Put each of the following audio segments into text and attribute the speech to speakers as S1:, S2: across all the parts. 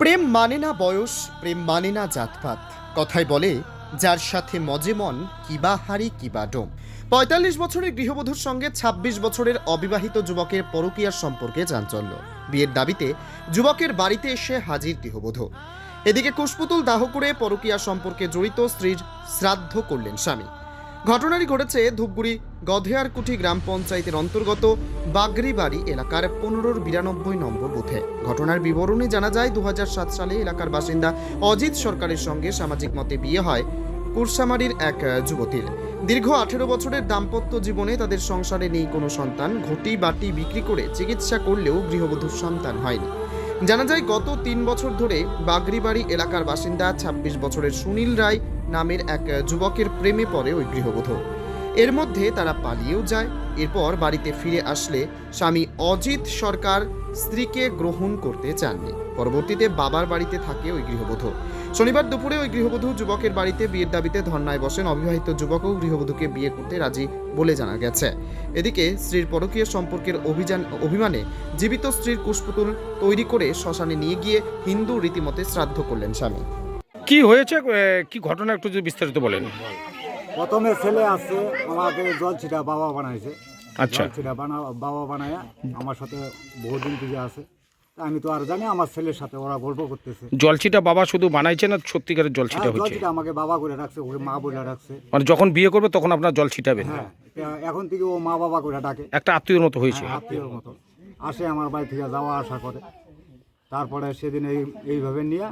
S1: প্রেম মানে না বয়স, প্রেম মানে না জাতপাত। কথায় বলে, যার সাথে মজে মন কিবা হারি কিবা ডোম। ৪৫ বছরের গৃহবধূর সঙ্গে ২৬ বছরের অবিবাহিত যুবকের পরকীয়ার সম্পর্কে চাঞ্চল্য। বিয়ের দাবিতে যুবকের বাড়িতে এসে হাজির গৃহবধূ। এদিকে কুশপুতুল দাহ করে পরকীয়া সম্পর্কে জড়িত স্ত্রীর শ্রাদ্ধ করলেন স্বামী। ঘটনাটি ঘটেছে ধূপগুড়ি গধেয়ারকুঠি গ্রাম পঞ্চায়েতের অন্তর্গত বাগরিবাড়ি এলাকার ১৫-৯২ নম্বর বুথে। ঘটনার বিবরণে জানা যায়, ২০০৭ সালে এলাকার বাসিন্দা অজিত সরকারের সঙ্গে সামাজিক মতে বিয়ে হয় কুরসামারির এক যুবতীর। দীর্ঘ ১৮ বছরের দাম্পত্য জীবনে তাদের সংসারে নেই কোনো সন্তান। ঘটি বাটি বিক্রি করে চিকিৎসা করলেও গৃহবধূর সন্তান হয়নি। জানা যায়, গত ৩ বছর ধরে বাগরিবাড়ি এলাকার বাসিন্দা ২৬ বছরের সুনীল রায় নামের এক যুবকের প্রেমে পড়ে ওই গৃহবধূ। এর মধ্যে তারা পালিয়েও যায়। এরপর বাড়িতে ফিরে আসলে স্বামী অজিত সরকার স্ত্রীকে গ্রহণ করতে চাননি। পরবর্তীতে বাবার বাড়িতে থাকে ওই গৃহবধূ। শনিবার দুপুরে ওই গৃহবধূ যুবকের বাড়িতে বিয়ের দাবিতে ধর্নায় বসেন। অবিবাহিত যুবকও গৃহবধূকে বিয়ে করতে রাজি বলে জানা গেছে। এদিকে স্ত্রীর পরকীয়া সম্পর্কের অভিমানে জীবিত স্ত্রীর কুশপুতুল তৈরি করে শ্মশানে নিয়ে গিয়ে হিন্দু রীতিমতে শ্রাদ্ধ করলেন স্বামী।
S2: কি হয়েছে, কি ঘটনা একটু যদি বিস্তারিত বলেন।
S3: প্রথমে ছেলে আসছে, আমাকে জল ছিটা বাবা বানাইছে।
S2: আচ্ছা,
S3: জল ছিটা বাবা বানায়া আমার সাথে বহুদিন থেকে আছে। আমি তো আর জানি, আমার ছেলের সাথে ওরা গল্প করতেছে।
S2: জলছিটা বাবা শুধু বানাইছে না সত্যিকারের জলছিটা
S3: জল
S2: হচ্ছে?
S3: ছিটা আমাকে বাবা করে রাখছে, ওকে মা বলে রাখছে।
S2: মানে যখন বিয়ে করবে তখন আপনার জল ছিটাবেন?
S3: হ্যাঁ, এখন থেকে ও মা বাবা করে ডাকে,
S2: একটা আত্মীয়র মতো হয়েছে।
S3: আত্মীয়র মতো আসে, আমার বাড়ি থেকে যাওয়া আসা করে। তারপরে সেদিন এইভাবে নিয়ে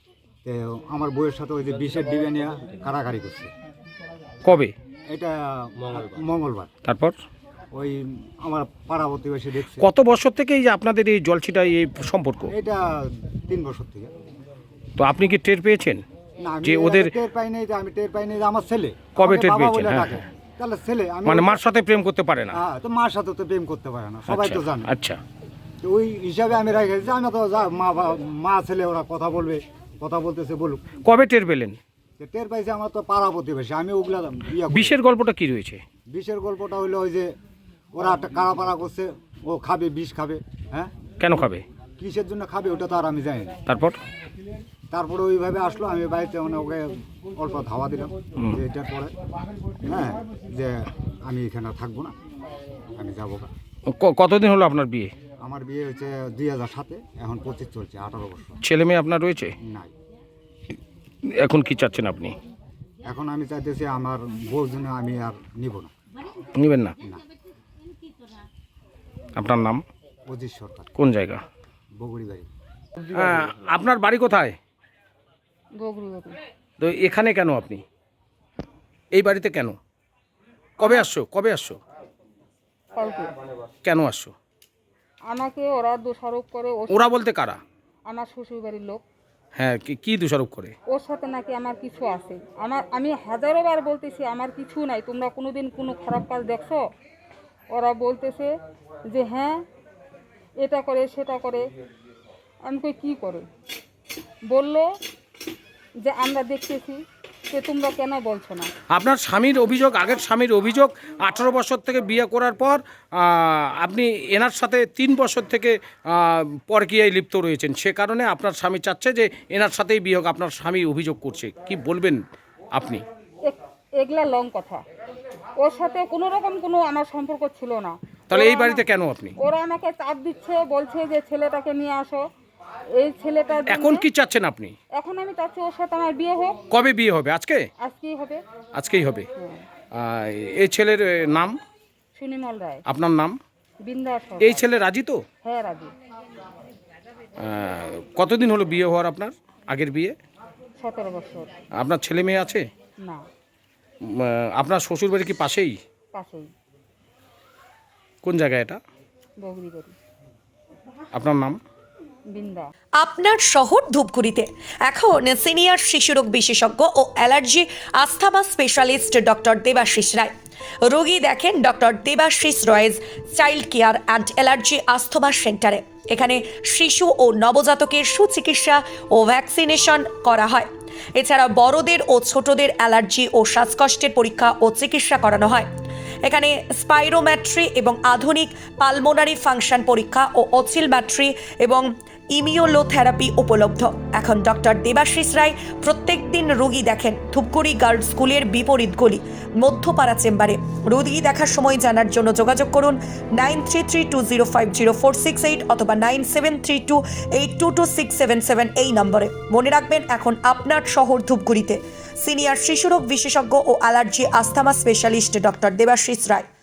S3: আমার বউয়ের সাথে ওই যে বিষের ডিবে নিয়ে কারাকারি করছে।
S2: কবে?
S3: এটা মঙ্গলবার।
S2: তারপর
S3: ওই আমার পাড়া প্রতিবেশী দেখছে।
S2: কত বছর থেকে এই যে আপনাদের এই জলছিটা এই সম্পর্ক?
S3: এটা ৩ বছর থেকে।
S2: তো আপনি কি টের পেয়েছেন
S3: না, আমি
S2: যে ওদের?
S3: টের পাই নাই, আমি টের পাই নাই যে আমার ছেলে
S2: কবে
S3: আমাকে
S2: টের
S3: বাবা
S2: পেয়েছেন?
S3: বলে
S2: হ্যাঁ,
S3: ডাকে। তাহলে ছেলে আমি
S2: মানে মার সাথে প্রেম করতে পারে না?
S3: হ্যাঁ, তো মার সাথে তো প্রেম করতে পারে না, সবাই তো জানে।
S2: আচ্ছা,
S3: তো ওই হিসাবে আমি রেখেছি, আমি তো মা ছেলে ওরা কথা বলবে, কথা বলতেছে বলুক।
S2: কবে টের পেলেন?
S3: তো টের পাইছে আমার তো পাড়া প্রতিবেশী, আমি ওগুলা
S2: বিষের গল্পটা কি রয়েছে?
S3: বিষের গল্পটা হইলো ওই যে ওরা একটা কারাপাড়া করছে, ও খাবে, বিষ খাবে। হ্যাঁ,
S2: কেন খাবে,
S3: কিসের জন্য খাবে ওটা তো আর আমি জানি না। তারপরে ওইভাবে আসলো, আমি বাড়িতে মানে ওকে অল্প ধাওয়া দিলাম যে এটার পরে হ্যাঁ যে আমি এখানে থাকবো না, আমি যাবো।
S2: কতদিন হলো আপনার বিয়ে?
S3: আমার বিয়ে হচ্ছে ২০০৭-এ, এখন 25 চলছে, 18 বছর।
S2: ছেলে মেয়ে আপনার রয়েছে?
S3: নাই।
S2: এখন কি চাচ্ছেন আপনি?
S3: এখন আমি চাইতেছি আমার বউর জন্য আমি আর নিব না।
S2: নেবেন না?
S3: না।
S2: আপনার নাম?
S3: অজিত সরকার।
S2: কোন জায়গা?
S3: বগুড়ি বাড়ি।
S2: আপনার বাড়ি কোথায়?
S4: বগুড়ি।
S2: তো এখানে কেন আপনি, এই বাড়িতে কেন? কবে আসছো?
S4: কালকে
S2: কেন আসছো?
S4: আমাকে ওরা দোষারোপ করে।
S2: ওরা বলতে কারা?
S4: আমার শ্বশুর বাড়ির লোক।
S2: হ্যাঁ, কি দোষারোপ করে?
S4: ওর সাথে নাকি আমার কিছু আছে। আমি হাজারো বার বলতেছি আমার কিছু নাই, তোমরা কোনোদিন কোনো খারাপ কাজ দেখছো? ওরা বলতেছে যে হ্যাঁ এটা করে সেটা করে। আমি কই কী করে? বললো যে আমরা দেখতেছি, যে তোমরা কেন বলছো না?
S2: আপনার স্বামীর অভিযোগ, আগের স্বামীর অভিযোগ, 18 বছর থেকে বিয়ে করার পর আপনি এনার সাথে 3 বছর থেকে পরকীয়ায় লিপ্ত রয়েছেন। সে কারণে আপনার স্বামী চাচ্ছে যে এনার সাথেই বিয়ে হোক। আপনার স্বামী অভিযোগ করছে, কি বলবেন আপনি?
S4: এগুলা লং কথা। ওর সাথে কোনো রকম কোনো আমার সম্পর্ক ছিল না।
S2: তাহলে এই বাড়িতে কেন আপনি?
S4: ওরা আমাকে চাপ দিচ্ছে, বলছে যে ছেলেটাকে নিয়ে আসো। এই ছেলেটা
S2: এখন কি চাচ্ছেন আপনি?
S4: এখন আমি চাচ্ছি ওর সাথে আমার বিয়ে হোক।
S2: কবে বিয়ে হবে?
S4: আজকেই হবে।
S2: আজকেই হবে। এই ছেলের নাম?
S4: সুনিমল রায়।
S2: আপনার নাম?
S4: বিন্দা।
S2: এই ছেলে রাজি তো?
S4: হ্যাঁ, রাজি।
S2: কতদিন হলো বিয়ে হওয়ার আপনার? আগের বিয়ে?
S4: 17 বছর।
S2: আপনার ছেলে মেয়ে আছে?
S4: না।
S2: আপনার শ্বশুর বাড়ি কি পাশেই?
S4: পাশেই।
S2: কোন জায়গায় এটা?
S4: বগুড়ি বাড়ি।
S2: আপনার নাম?
S4: বিন্দা।
S5: আপনার শহর ধূপগুড়িতে এখন সিনিয়র শিশুরোগ বিশেষজ্ঞ ও allergy asthma specialist doctor Debashis Roy. রোগী দেখেন doctor Debashis Roy's child care and allergy asthma সেন্টারে। এখানে শিশু ও নবজাতকের সুচিকিৎসা ও ভ্যাকসিনেশন করা হয়। এছাড়া বড়দের ও ছোটদের অ্যালার্জি ও শ্বাসকষ্টের পরীক্ষা ও চিকিৎসা করানো হয়। এখানে স্পাইরোম্যাট্রি এবং আধুনিক পালমোনারি ফাংশন পরীক্ষা ও অসিলম্যাট্রি এবং ইমিউনোথেরাপি উপলব্ধ। এখন ডক্টর দেবাশিস রায় প্রত্যেক দিন রোগী দেখেন ধূপগুড়ি গার্লস স্কুলের বিপরীত গলি মধ্যপাড়া চেম্বারে। রোগী দেখার সময় জানার জন্য যোগাযোগ করুন 9332050468 অথবা 9732822677 এই নম্বরে। মনে রাখবেন, এখন আপনার শহর ধূপগুড়িতে সিনিয়র শিশুরোগ বিশেষজ্ঞ ও allergy asthma specialist doctor Debashis রায়।